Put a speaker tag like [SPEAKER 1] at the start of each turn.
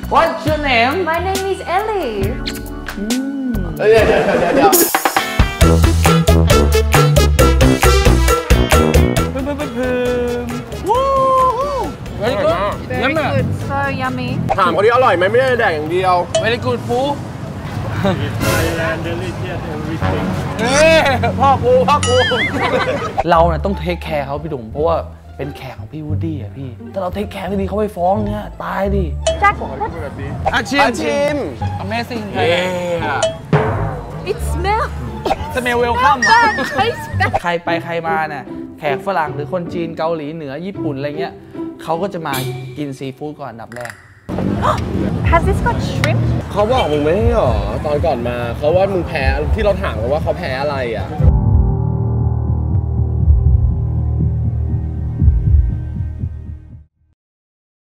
[SPEAKER 1] What's your name?
[SPEAKER 2] My name is Ellie.
[SPEAKER 3] เดี๋ยว
[SPEAKER 1] Very good.
[SPEAKER 2] Very good. So yummy.
[SPEAKER 3] ถามเขาที่อร่อยไหมไม่ได้แดกอย่างเดียว
[SPEAKER 1] Very good food.
[SPEAKER 4] Thailand delicious everything
[SPEAKER 1] พ่อกูเราเนี่ยต้องเทคแคร์เขาพี่ดุ๋มเพราะว่าเป็นแขกของพี่วูดดี้อะพี่ถ้าเราเทคแคร์ไม่ดีเขาไปฟ้องเนี่ยตายดิ
[SPEAKER 2] Jack,
[SPEAKER 1] ชิม Amazing
[SPEAKER 2] it smells
[SPEAKER 1] สเมลเวลคัม
[SPEAKER 2] bad. Tastes bad.
[SPEAKER 1] ใครไปใครมาเนี่ยแขกฝรั่งหรือคนจีนเกาหลีเหนือญี่ปุ่นอะไรเงี้ยเขาก็จะมากินซีฟู้ดก่อนอันดับแรก
[SPEAKER 2] Has this got shrimp?
[SPEAKER 3] เขาบอกมึงไม่ให้หรอตอนก่อนมาเขาว่ามึงแพ้ที่เราถามกันว่าเขาแพ้อะไรอ่ะ